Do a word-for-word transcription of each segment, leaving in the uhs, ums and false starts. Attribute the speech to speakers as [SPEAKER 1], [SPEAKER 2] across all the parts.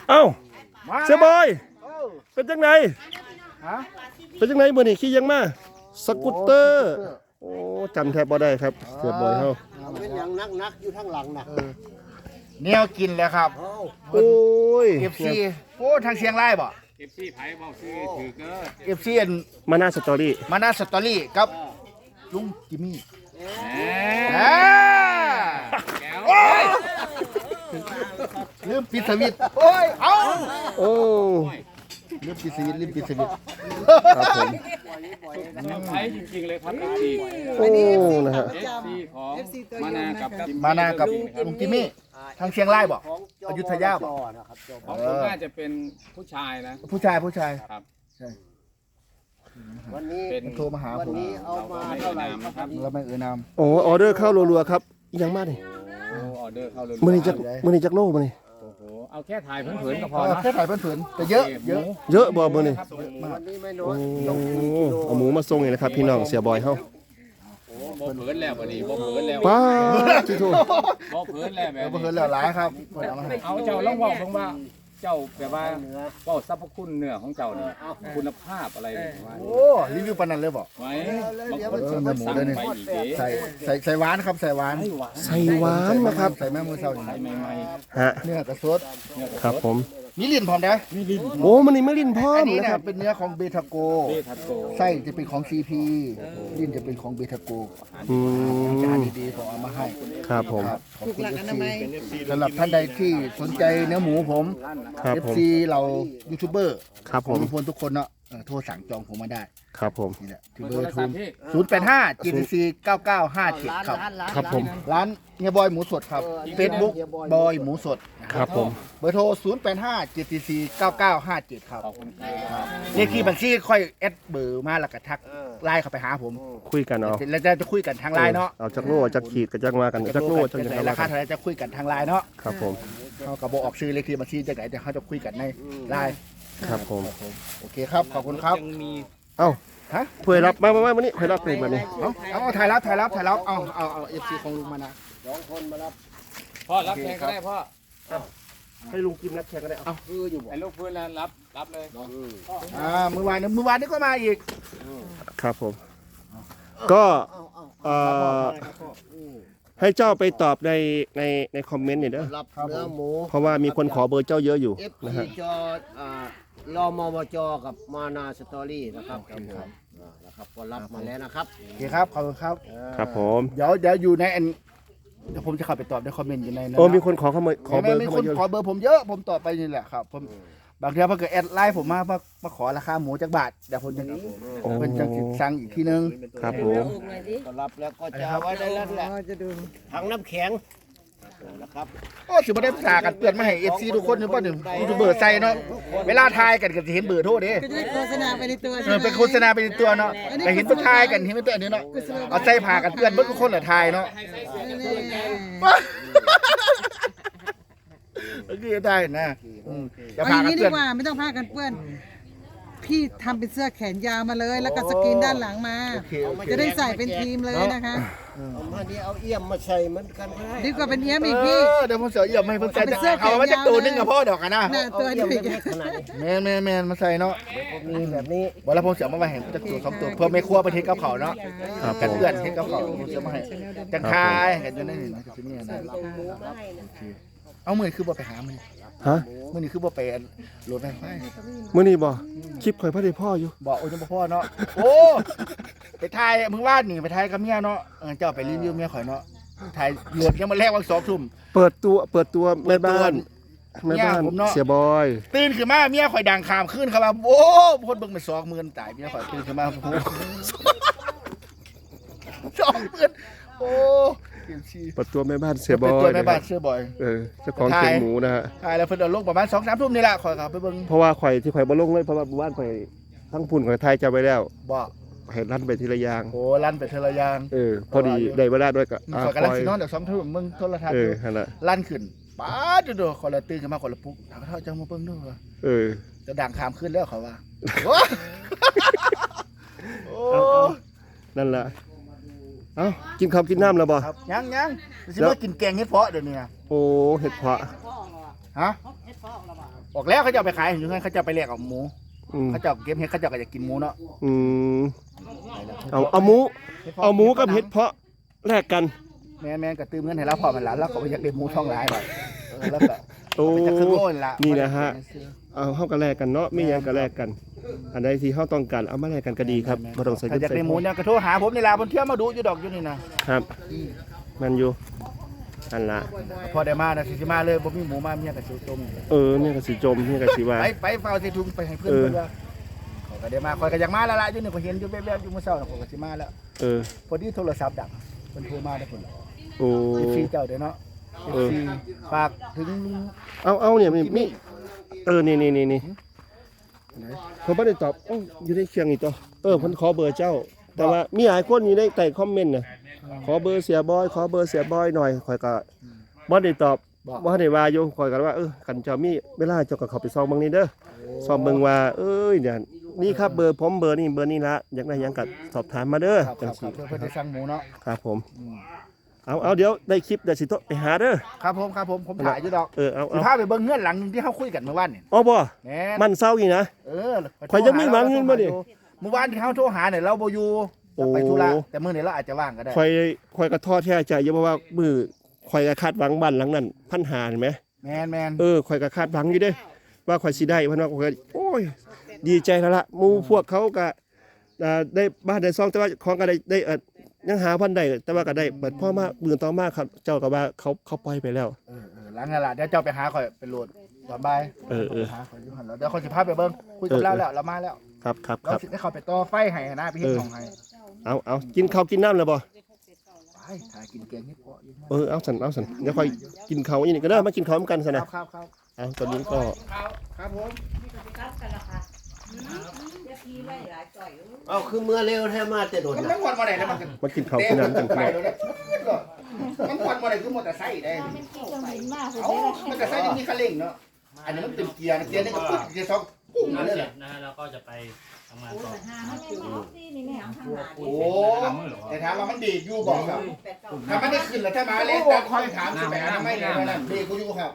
[SPEAKER 1] เอ้าเสียบอยเป็นจังไงเป็นจังไงมื้อนี้ขี่ยังมาสกูตเตอร์โอ้จำแทบบ่ได้ครับเสียบอยเฮา
[SPEAKER 2] เป็นอย่างนักๆอยู่ทางหลังน่ะ
[SPEAKER 3] แนวกินแล้วครับ
[SPEAKER 1] โอ้ย
[SPEAKER 3] เอฟ ซี โอ้ทางเชียงรายบ่
[SPEAKER 4] เอฟซีไผเว้าซื้อถือเด้อ
[SPEAKER 3] เอฟ ซี อัน
[SPEAKER 1] มาหน้าสตอรี่
[SPEAKER 3] มานาสตอรี่กับลุงจิมมี่
[SPEAKER 4] แห
[SPEAKER 3] อ่า
[SPEAKER 4] แก้ว
[SPEAKER 3] ลืมปิดสวิตช์โอ้ยเอ้า
[SPEAKER 1] โอ้
[SPEAKER 3] ลืมปิดสวิตช์ลืมปิดสวิตช์
[SPEAKER 1] ครับผม
[SPEAKER 4] ไผจริงๆเลยครับ
[SPEAKER 1] โอ้นะฮะ
[SPEAKER 4] เอฟซีของมานากับ
[SPEAKER 3] มานากับลุงจิมมี่ทางเชียงรายบ่อยุธยาบ่
[SPEAKER 4] ของผมน่าจะเป็นผู้ชายนะ
[SPEAKER 3] ผู้ชายผู้ชาย
[SPEAKER 4] ครับ
[SPEAKER 3] ใช่
[SPEAKER 2] วันนี้
[SPEAKER 4] เป็น
[SPEAKER 3] โทรมาหา
[SPEAKER 2] วัน
[SPEAKER 3] ผม
[SPEAKER 2] นี้เอามาเท่าไหร่ครับ
[SPEAKER 3] แล้วไม่เอ่ยนาม
[SPEAKER 1] โอ้ออเดอร์เข้ารัวๆครับยังมาดิ
[SPEAKER 4] โอ้ออเดอร์เข้าเลย
[SPEAKER 1] มื้อนี้จักมื้อนี้จักโลมื้อนี้
[SPEAKER 4] โอ้โหเอาแค่ถ่ายเผินๆก็พอ
[SPEAKER 3] เออ
[SPEAKER 4] เนาะ
[SPEAKER 3] แค่ถ่ายเพื่อนๆแต่เยอะเยอะ
[SPEAKER 1] เยอะบ่มื้อนี้
[SPEAKER 2] วันนี้ไม่น้อ
[SPEAKER 1] โอ้
[SPEAKER 2] ย
[SPEAKER 1] เอาหมูมาส่งนี่นะครับพี่น้องเสียบอยเฮา
[SPEAKER 4] โอ้บ่เผินแล้วบัดนี้บ่เผินแล้ว
[SPEAKER 1] ป้าที่โทษ
[SPEAKER 4] บ่เผินแล้วแบ
[SPEAKER 3] เดี๋ยว
[SPEAKER 4] บ
[SPEAKER 3] เพื่อนแล้วหลายครับเพิ่นเอามาให้
[SPEAKER 4] เอาเจ้าลองเว้าเบิ่งว่าเจ้าแบบว่าเว้าสรรพคุณเนื้อของเจ้านี่คุณภาพอะไรว่า
[SPEAKER 3] โอ้รีวิวปานนั้นเลยบ่
[SPEAKER 4] ไว้บางคนสั่งไปอีกเด้
[SPEAKER 3] ใส่ใส่ใส่หวานครับใส่หวาน
[SPEAKER 1] ใส่หวานนะครับ
[SPEAKER 3] ใส่แม่มือเศร้าอย่าง
[SPEAKER 4] ใส่
[SPEAKER 3] นี้
[SPEAKER 4] ใหม่
[SPEAKER 1] ฮะ
[SPEAKER 3] เนื้อกระสด
[SPEAKER 1] ครับผม
[SPEAKER 3] มีลิ้นพร้อมได้
[SPEAKER 1] โอ้มันนี่ไม่ลิ้นพร้อ
[SPEAKER 3] อั
[SPEAKER 1] ม
[SPEAKER 3] นนี้
[SPEAKER 1] นะ
[SPEAKER 3] เนี่
[SPEAKER 1] ค
[SPEAKER 3] ย
[SPEAKER 1] รับ
[SPEAKER 3] เป็นเนื้อของเบทาโก
[SPEAKER 4] เบทาโก
[SPEAKER 3] ไส้จะเป็นของ ซี พี ลิ้นจะเป็นของเบทาโก
[SPEAKER 1] อื
[SPEAKER 3] จาน
[SPEAKER 1] ม
[SPEAKER 3] ดีๆผมเอามาให้
[SPEAKER 1] ครับผม
[SPEAKER 3] ครับขอบคุณ เอฟ ซี สำหรับท่านใดที่สนใจเนื้อหมูผม
[SPEAKER 1] ครับ
[SPEAKER 3] เอฟ
[SPEAKER 1] ผม
[SPEAKER 3] ซี เรายูทูบเบอร์
[SPEAKER 1] ครับ
[SPEAKER 3] ข
[SPEAKER 1] ผ
[SPEAKER 3] อง
[SPEAKER 1] ม
[SPEAKER 3] ทุกคนทุกคนเนาะเออโทรสั่งจองผมมาได้
[SPEAKER 1] ครับผม
[SPEAKER 3] นี่แหละที่
[SPEAKER 4] เบ
[SPEAKER 3] เบ
[SPEAKER 4] อ
[SPEAKER 3] อ
[SPEAKER 4] ร์
[SPEAKER 3] ร์
[SPEAKER 4] โทร
[SPEAKER 3] โทร
[SPEAKER 4] ศัพท์ที่
[SPEAKER 3] ศูนย์แปดห้า จี ที ซี เก้าเก้าห้าเจ็ดครับ
[SPEAKER 1] ครับผม
[SPEAKER 3] ร้านเฮียบอยหมูสดครับ Facebook บอยหมูสด
[SPEAKER 1] ครับผม
[SPEAKER 3] เบอร์โทร ศูนย์แปดห้า จี ที ซี เก้าเก้าห้าเจ็ด ครับ
[SPEAKER 4] ขอบคุณครับ
[SPEAKER 3] เลขที่บัญชีค่อยแอดเบอร์มาแล้วก็ทักไลน์เข้าไปหาผม
[SPEAKER 1] คุยกันเอา
[SPEAKER 3] แล้วจะจะคุยกันทางไลน์เนาะ
[SPEAKER 1] เอาจักโลจักขีดกับจักมากันจักโลจักอย่าง
[SPEAKER 3] จะ
[SPEAKER 1] ไร
[SPEAKER 3] ราคาเท่าไหรจะคุยกันทางไลน์เนาะ
[SPEAKER 1] ครับผม
[SPEAKER 3] เขากับโบออกชื่อเลขที่บัญชีจากไหนแต่เขาจะคุยกันในไลน์
[SPEAKER 1] ครับผม
[SPEAKER 3] โอเคครับขอบคุณครับ
[SPEAKER 4] ยังมี
[SPEAKER 1] เอ้า
[SPEAKER 3] ฮะ
[SPEAKER 1] เพื่อรับมามามามานี่เพื่อรับเลยแบบนี้
[SPEAKER 3] เอาเอาเอาถ่ายรับถ่ายรับถ่ายรับเอาเอาเอาเอฟซีของลุงมานะ
[SPEAKER 2] สองคนมารับ
[SPEAKER 4] พ่อรับแทนก็ได้พ่อ
[SPEAKER 1] ให้ลุงกิมนักแข่งกันได้เอา
[SPEAKER 2] คืออยู่บ่
[SPEAKER 4] ไอ้ลูกพื้นแล้วรับรับเลย
[SPEAKER 3] อ่าเมื่อวานเมื่อวานนี้ก็มาอีก
[SPEAKER 1] ครับผม ก็เอ่อให้เจ้าไปตอบในในในคอมเมนต์เนี่ยเด้อ
[SPEAKER 2] รับเนื้อหมู
[SPEAKER 1] เพราะว่ามีคนขอเบอร์เจ้าเยอะอยู่
[SPEAKER 2] เอฟ
[SPEAKER 1] นะ
[SPEAKER 2] ซี
[SPEAKER 1] ฮะ
[SPEAKER 2] จออ่ารอมวจกับมานาสตอรี่นะครับครับผมอ่านะครับก็รับมาแล้วนะครับ
[SPEAKER 3] โอเคครับขอบคุณครับ
[SPEAKER 1] ครับผม
[SPEAKER 3] เดี๋ยวเดี๋ยวอยู่ในอันเดี๋ยวผมจะเข้าไปตอบในคอมเมนต์อยู่ในนั้น
[SPEAKER 1] โอ้มีคนขอเข้ามาขอเบอร์
[SPEAKER 3] มี
[SPEAKER 1] เข้า
[SPEAKER 3] ค
[SPEAKER 1] มาน เยอะ
[SPEAKER 3] ขอเบอร์ผมเยอะผมตอบไปนี่แหละครับผมบางทีพอเกิดแอดไลน์ผมมามามาขอราคาหมูจากบาทเดี๋ยวผมจะ
[SPEAKER 1] โอ้
[SPEAKER 3] เป็นจังสิสั่งอีกทีนึง
[SPEAKER 1] ครับผม
[SPEAKER 2] ก็รับแล้วก็จะเอาไว้ในนั้นแหละถังน้ำแข็งนะครับ
[SPEAKER 3] โอ้สิบ่ได้ภาษากันเตือนมาให้ เอฟ ซี ทุกคนนี่บ่หนึ่งยูทูบเบอร์ใส่เนาะเวลาทายกันก็จะเห็นเบอร์โทรเด้
[SPEAKER 5] ก็จะได้โฆษณาไปในตัว
[SPEAKER 3] เอ
[SPEAKER 5] ใช่
[SPEAKER 3] อ
[SPEAKER 5] ไหม
[SPEAKER 3] เป็นโฆษณาเป็นตัวเนาะแต่เห็นเพิ่นทายกันเห็นเป็นตัวอันนี้เนาะเอาใส่ผ้ากันเตือนเบิดทุกคนแหละทายเนาะโอเคได้นะอืมอย่า
[SPEAKER 5] เอาอ
[SPEAKER 3] พา
[SPEAKER 5] ย่าง
[SPEAKER 3] กัน
[SPEAKER 5] นี้ดี
[SPEAKER 3] เตือน
[SPEAKER 5] กว่าไม่ต้องผ้ากันเปื้อน พี่ทำเป็นเสื้อแขนยาวมาเลย แล้วก็สกรีนด้านหลังมา
[SPEAKER 3] โอเคโอเค
[SPEAKER 5] จะได้ใส่เป็นทีมเลยนะคะ
[SPEAKER 2] เอามานี่เอาเอี่ยมมาใส่เหมือนกันก็ได้
[SPEAKER 5] ดีกว่าเป็นเอี้ยมอีก
[SPEAKER 3] เอ
[SPEAKER 5] พี่
[SPEAKER 3] อเดี๋ยวผมเสียเอี่ยมให้เพิ่นใส่
[SPEAKER 5] เป็นเสื้อแขน
[SPEAKER 3] เอาไว้จักตัวหนึง
[SPEAKER 5] ยาวเลย
[SPEAKER 3] กับพ่อดอกกันนะ
[SPEAKER 5] หน้า
[SPEAKER 2] เอา
[SPEAKER 5] ตัว
[SPEAKER 2] เอี่ยม
[SPEAKER 5] นี้
[SPEAKER 2] เล็กๆขนาดนี้
[SPEAKER 3] แม่นแม่นแม่นมาใส่เนาะ
[SPEAKER 2] มีแบบนี้
[SPEAKER 3] บ่แล้วผมเสียมาไว้ให้จักตัวสองตัวเพื่อไม่ครัวไปเทกับเขาเนาะ
[SPEAKER 1] ครับผ
[SPEAKER 3] กัน
[SPEAKER 1] ม
[SPEAKER 3] เพื่อนเทกับเขาผมเสียมาให้จังคายกันอยู่ในนี่นะที่นี่นะเอามื้อนี้คือบ่ไปหามื้อนี้
[SPEAKER 1] ฮะ
[SPEAKER 3] มื้อนี้คือบ่ไปโหลดไฟไฟ
[SPEAKER 1] มื่อนี้บ่คลิปข่อยพระเดชพ่ออยู่
[SPEAKER 3] บอกโอ้ยจังบ่พ่อเนาะโอ้ไปถ่ายมึงวาดนี่ไปถ่ายกับเมียเนาะเออเจ้าไปรีวิวเมียข่อยเนาะถ่ายโหลดยังมาแรกวันสองทุ่ม
[SPEAKER 1] เปิดตัวเปิดตัวแม่บ้าน
[SPEAKER 3] เปิ
[SPEAKER 1] แม่
[SPEAKER 3] ดตัว
[SPEAKER 1] บ้าน
[SPEAKER 3] ผมเนาะ
[SPEAKER 1] เสียบอย
[SPEAKER 3] ตื่นขึ้นมาเมียข่อยดังขามขึ้นครับว่าโอ้คนเบิ่งไปสองหมื่นตายเมียข่อยตื่นขึ้นมาโอ้โหสองหมื่นโอ้เกี่ยวชี
[SPEAKER 1] เปิดตัวแม่บ้านเสียบ
[SPEAKER 3] เป็น
[SPEAKER 1] อ
[SPEAKER 3] ตัวย แม่บ้าน
[SPEAKER 1] ะครับ
[SPEAKER 3] เสื้อบ่อย
[SPEAKER 1] เออเจ้าของเขียงหมูนะฮะ
[SPEAKER 3] ถ่ายแล้วเพิ่นเอาลงประมาณสองสามทุ่มนี่แหละข่อยขับไปเบิ่ง
[SPEAKER 1] เพราะว่าข่อยที่ข่อยบ่ลงเลยเพราะว่าบ้านข่อยทั้งพุ่นข่อยไทยจะไปแล้ว
[SPEAKER 3] บ่
[SPEAKER 1] ให้ลั่นไปทีละอย่าง
[SPEAKER 3] โอ้ลั่นไปเทอละอยาง
[SPEAKER 1] เออ พอดีได้เวลาด้วยก็
[SPEAKER 3] มัน
[SPEAKER 1] อ่า
[SPEAKER 3] ข่อย
[SPEAKER 1] ค
[SPEAKER 3] กำลัง
[SPEAKER 1] อย
[SPEAKER 3] สินอนเดี๋ยวสองทุ่มมึงโทรทัศน์
[SPEAKER 1] เอ
[SPEAKER 3] อ
[SPEAKER 1] อยู่ นั่นน่ะ
[SPEAKER 3] ลั่นขึ้นป๊าดเด้อข่อยละตื่นขึ้นมาข่อยละปุ๊บถามว่าเท่าจังมาเบิ่งเด้อ
[SPEAKER 1] เออ
[SPEAKER 3] จะดังขามขึ้นแล้วเขาว่าโอ้โอ้
[SPEAKER 1] นั่นแหละเอ้ากินข้าวกินน้ำแล้วบ่
[SPEAKER 3] ครับยังยังสิมากินแกงเห็ดเพาะเดี๋ยวนี้นะ
[SPEAKER 1] โอ้เห็ดเพาะ
[SPEAKER 3] ฮะออกแล้วเขาจะเอาไปขายอยู่งั้นเขาจะไปแลกเอาหมู
[SPEAKER 1] อืม
[SPEAKER 3] เขาจะเอาเก็บเห็ดเขาจะก็จะกินหมูเนาะ
[SPEAKER 1] อืมเอาเอาหมูเอาหมูกับเห็ดเพาะแลกกัน
[SPEAKER 3] แม่แม่ก็ตื้มเงินให้เราพอมันละแล้วก็ไปอยากได้หมูท้องหลายหน่อยเออแล้วก็
[SPEAKER 1] โอ้
[SPEAKER 3] ไปจะครึ่งโลนละ
[SPEAKER 1] นี่นะฮะ เอาเฮาก็แลกกันเนาะมีหยังก็แลกกัน อันใดที่เฮาต้องการเอามาแลกกันก็ดีครับบ่ต้องใส่
[SPEAKER 3] ถ้า
[SPEAKER 1] เงิน
[SPEAKER 3] อยาก
[SPEAKER 1] ใส่
[SPEAKER 3] ได้
[SPEAKER 1] ท
[SPEAKER 3] หมู
[SPEAKER 1] อง
[SPEAKER 3] เนี่ยก็โทรหาผมนี่ล่ะบนเที่ยวมาดูอยู่ดอกอยู่นี่นะครับ
[SPEAKER 1] มันอยู่อันละ
[SPEAKER 3] พอได้มานะสิมาเลยบ่มีหมูมาเมียก็สิต้ม
[SPEAKER 1] เออเนี่ยก็สิจมเนี่ยก็สิว่า
[SPEAKER 3] ไปไปเฝ้าใส่ถุงไปให้เพื่อน
[SPEAKER 1] เออ
[SPEAKER 3] เพิ่นว่าเขาก็ได้มาคอยก็อยากมาแล้วล่ะอยู่นี่ก็เห็นอยู่แวบๆอยู่มื้อเช้าน่ะผมก็สิมาแล้ว
[SPEAKER 1] เออ
[SPEAKER 3] พอดีโทรศัพท์ดังเพิ่นโทรมาได้อเพิ่น
[SPEAKER 1] โอ้
[SPEAKER 3] เอฟซีเจ้าเด้อเนาะ
[SPEAKER 1] เออ
[SPEAKER 3] เอฟซีฝากถึงลุง
[SPEAKER 1] เอาเอาเนี่ยมีมีเออนี่นี่นี่นี่ผมไม่ได้ตอบเอ้าอยู่ในเคียงอีกตัวเออผมขอเบอร์เจ้า แต่ว่ามีหลายคนอยู่ในใต้คอมเมนต์นะขอเบอร์เสียบอย ขอเบอร์เสียบอยหน่อยข่อยก็บ่ได้ตอบบ่ได้ว่าอยู่ข่อยก็ว่าเออคันเจ้ามีเวลาเจ้าก็เข้าไปซองเบิ่งนี่เด้อซองเบิ่งว่าเอ้ยเนี่ยนี่ครับเบอร์ผมเบอร์นี่เบอร์นี่ละอยากได้หยังก็สอบถามมาเด้อ
[SPEAKER 3] ครับค
[SPEAKER 1] จั
[SPEAKER 3] รั
[SPEAKER 1] ง
[SPEAKER 3] บค
[SPEAKER 1] ซี่
[SPEAKER 3] รับเพื่อนเพื่อนจะสั่งหมูเนาะ
[SPEAKER 1] ครับผม
[SPEAKER 3] อืม
[SPEAKER 1] เอาเอาเดี๋ยวได้คลิปเดี๋ยวสิโตะไปหาเด้อ
[SPEAKER 3] ครับผมครับผมผมถ่ายอยู่ดอก
[SPEAKER 1] เออเอา
[SPEAKER 3] สิ
[SPEAKER 1] เอา
[SPEAKER 3] พาไปเบิ่งเงื่อนหลังหนึงที่เขาคุยกันเมื่อวานนี่
[SPEAKER 1] อ๋อบ่
[SPEAKER 3] แหน่
[SPEAKER 1] มันเศร้าอีกนะ
[SPEAKER 3] เออ
[SPEAKER 1] ข่อยยังมีหวังเงินบ่ดิ
[SPEAKER 3] เมื่อวานที่เขาโทรหาเนี่ยเราบ่อยู่
[SPEAKER 1] โอ้
[SPEAKER 3] เราไปธุระแต่มื้อนี้เราอาจจะว่างก็ได้
[SPEAKER 1] ข่อยข่อยก็ท้อแท้ใจอยู่เพราะว่ามือข่อยก็คาดหวังบ้านหลังนั้นพันหาเห็นไหม
[SPEAKER 3] แมนแมน
[SPEAKER 1] เออข่อยก็คาดหวังอยู่เด้ว่าข่อยสิได้เพิ่นว่าข่อยก็โอ้ยดีใจแล้วล่ะหมู่พวกเขาก็อ่าได้บ้านได้ซองแต่ว่าของก็ได้ได้เอ่อยังหาพันได้แต่ว่าก็ได้เปิดพ่อมามื้อต่อมาครับเจ้าก็ว่าเขาเขาปล่อยไปแล้ว
[SPEAKER 3] เออเออหลังนั่นล่ะเดี๋ยวเจ้าไปหาข่อยไปโหลดตอนบ่าย
[SPEAKER 1] เออเออ
[SPEAKER 3] หาข่อยอยู่หั่นแล้วเดี๋ยวข่อยสิพาไปเบิ่งคุยกับเราแล้วเรามาแล้ว
[SPEAKER 1] ครับครับค
[SPEAKER 3] เรา
[SPEAKER 1] รับ
[SPEAKER 3] สิได้เข้าไปต่อไฟให้นะไปเฮ็ด
[SPEAKER 1] เออ
[SPEAKER 3] ของให้
[SPEAKER 1] เอาเอากินข้าวกินน้ำแล้วบ่
[SPEAKER 3] ไปถ่ายกินแกงเฮ็ดเพาะอยู่
[SPEAKER 1] เออเอาสันเอาสันเดี๋ยวค่อยกินข้าวอีนี่ก็ได้มากินข้าวเหมือนกันซะ
[SPEAKER 3] ครั
[SPEAKER 1] นะ
[SPEAKER 3] บครับครับ
[SPEAKER 1] เอาตอนนี้ก็
[SPEAKER 3] ครับผม
[SPEAKER 2] เอาคือเมื่อเร็วแท้มาแต่โดน
[SPEAKER 3] มัน
[SPEAKER 2] นะ
[SPEAKER 3] มันควันบ่ได้แล้วมันก็
[SPEAKER 1] มากินข้าวกินน้ำกันพี่น้อง
[SPEAKER 3] มันควันบ่ได้คือมอเตอร์ไซค์ได้ เอ้ามันจะใช้ยังมีคันเร่งเนาะ อันนี้มันเป็นเกียร์นะเกียร์นี่ก็ปุ๊บเกียร์สองปุ้ง
[SPEAKER 6] งาน
[SPEAKER 3] เลย
[SPEAKER 6] เส
[SPEAKER 3] เหร
[SPEAKER 6] ร็
[SPEAKER 3] อ
[SPEAKER 6] จนะฮะแล้วก็จะไปทำงานต่อ
[SPEAKER 3] โอ้แต่ถามว่ามันดีดอยู่บอกครับถ้ามันได้ขึ้นแล้วถ้ามาเล่นแต่คอยถามสิไปหาทำไมไหนมานั่นดีกูอยู่ครับ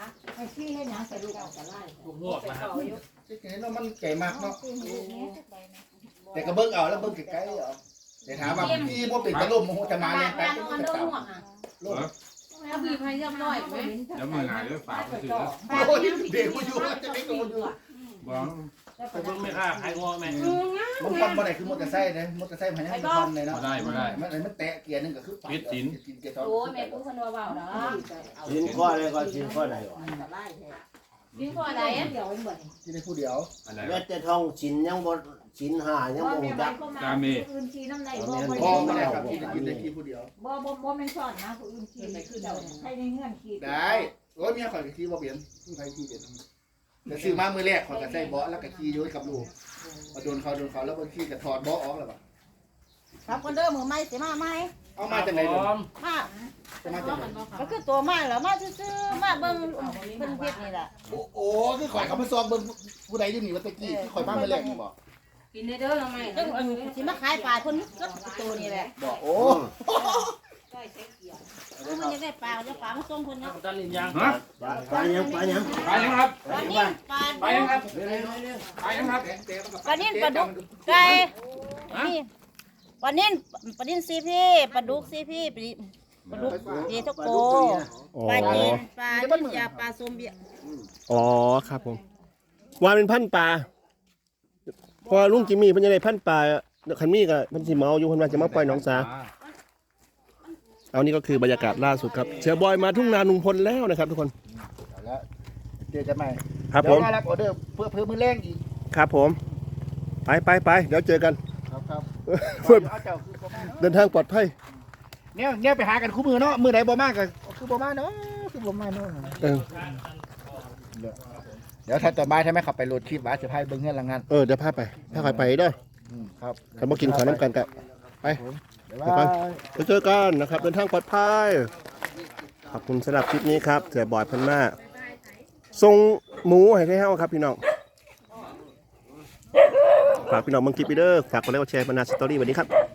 [SPEAKER 6] ทุกพวกนะครับ
[SPEAKER 3] ที่เห็นว่ามันไก่มากเนาะ แต่ก็เบิ่งเอาแล้วเบิ่งไกลๆเอาแต่ถามว่าพี่บ่เป็นตะลุ่มโมโหจะมาเล่นแป๊บก็จะตามลุ่ม
[SPEAKER 7] ถ้าบีบให้เรียบร้อยไหม
[SPEAKER 4] แล้วมือหายด้วยฝาไปถือ
[SPEAKER 3] โอ้ยเด็กกูอยู่จะไม่โดนอยู่
[SPEAKER 4] บ้อง
[SPEAKER 6] ไปเบิ่งไม่ค่าใครง้อแม่
[SPEAKER 3] มันควันบ่ได้คือมอเตอร์ไซค์นะมอเตอร์ไซค์มันยังมีควันเลยเนาะ
[SPEAKER 4] มาได้มาได้
[SPEAKER 3] มันมันแตะเกียร์นึงก็คือปัด
[SPEAKER 4] ปิดสิน
[SPEAKER 3] กินเกียร์สอง
[SPEAKER 7] โอ้ยแม่กูคนว่าเบาเนาะ
[SPEAKER 2] ชิ้นข้ออะไรก็ชิ้นข้อไหนวะ
[SPEAKER 7] ดิ้นพออะไรอ่ะ
[SPEAKER 3] ที่ได้ผู้เดียว
[SPEAKER 4] อะไร
[SPEAKER 2] แม้แต่ทองชิ้นยังบ่ชิ้นหายัง
[SPEAKER 7] พ่อ
[SPEAKER 2] บ่
[SPEAKER 7] แม่
[SPEAKER 2] จั
[SPEAKER 7] บ้าน
[SPEAKER 2] ก
[SPEAKER 7] ก็มาอื่นชีน้ำไหลบ่บ่
[SPEAKER 3] พ่อ
[SPEAKER 7] บ่
[SPEAKER 3] ไม่ได้ครับที่จะกินได้ที่ผู้เดียว
[SPEAKER 7] บ่บ่บ่แม่นสอนนะผู้อื่นชีคือเจ้าใครในเงื่อนขีด
[SPEAKER 3] ได้โอ้ยเมียข่อยก็ขี่บ่เปลี่ยนผู้ใครขี่เปลี่ยนแต่ซื้อมามือแรกข่อยก็ใส่เบาะแล้วก็ขี่อยู่กับลูกพอโดนเขาโดนเขาแล้วบางทีก็ถอดเบาะออกแล้วป่ะ
[SPEAKER 8] ครับคนเดิมมือไม่สิมาไหม
[SPEAKER 3] เอามาจากไหนเด้อ
[SPEAKER 8] มา
[SPEAKER 3] จะมาจากไหน
[SPEAKER 8] ก็คือตัวมาแล้วมาซื่อๆมาเบิ่งเพิ่นเฮ็ดนี่ล่ะ
[SPEAKER 3] โอ้โหคือข่อยเขามาซ้อมเบิ่งผู้ใดอยู่นี่ว่าตะกี้ที่ข่อยมามือแรกนี่บ่
[SPEAKER 7] กินได้เด้อทำไม
[SPEAKER 8] ซึ่งสิมาขายปลาเพิ่นก็ตัวนี่แหละ
[SPEAKER 3] บ่โอ้
[SPEAKER 8] เพิ่นจะได้ปลาจะปลามาส่งเพิ่นเนาะ
[SPEAKER 6] ตันลินยัง
[SPEAKER 4] ฮะ
[SPEAKER 2] ปลายังปลายัง
[SPEAKER 4] ไปยังครับ
[SPEAKER 8] ปลานิ่มปลา
[SPEAKER 4] ไปยังครับไปยังครับ
[SPEAKER 8] ปลานิ่มปลาดุกไก่นี่ปลานิ่มปลานิ่มซีพี่ปลาดุกซีพี่ปลาดุกเยทโก
[SPEAKER 1] อ๋อ
[SPEAKER 8] ปลาจีนปลาลิ้นยาปลาส้มเบี้ย
[SPEAKER 1] อ๋อครับผมวานเป็นพันปลาพอลุงจิมมี่เพิ่นจะได้พันปลาคันมี่ก็เพิ่นสิเมาอยู่เพิ่นว่าจะมาปล่อยหนองสาเอานี่ก็คือบรรยากาศล่าสุดครับเสือบอยมาทุ่งนาลุงพลแล้วนะครับทุกคน
[SPEAKER 3] แล้วเจอกันใหม่
[SPEAKER 1] ครับผ
[SPEAKER 3] เดี๋ยว
[SPEAKER 1] ม
[SPEAKER 3] มารับออเดอร์เพื่อเพื่อมือแรงอีก
[SPEAKER 1] ครับผม ไปไปไปเดี๋ยวเจอกัน
[SPEAKER 3] ครับครับ
[SPEAKER 1] เพื่อ
[SPEAKER 3] เอาเจ้าคือบ่มาเนาะ
[SPEAKER 1] เดินทางปลอดภัย
[SPEAKER 3] เนี่ยเนี่ยไปหากันคู่มือเนาะมือไหนบ่มาก็คือบ่มาเนาะคือบ่มาเนาะ
[SPEAKER 1] เออ
[SPEAKER 3] เดี๋ยวถ้าต่อมาถ้าไม่ขับไปโหลดคลิปว่าจะพายเบิ่งเงินหลังงาน
[SPEAKER 1] เออเดี๋ยวพาไปพาใครไปเด้อ
[SPEAKER 3] อืมครับ
[SPEAKER 1] ใครมากินข้าวน้ำกันกับไป
[SPEAKER 3] เดี๋ยวว่า
[SPEAKER 1] เดี๋ยวเจอกันนะครับ เดินทางปลอดภัยขอบคุณสำหรับคลิปนี้ครับเสือบอยเพันมาส่งหมูให้ให้เฮาครับพี่น้องฝากพี่น้องเบิ่งคลิปไปเด้อฝากกดไลค์กดแชร์บรรณาสตอรี่วันนี้ครับ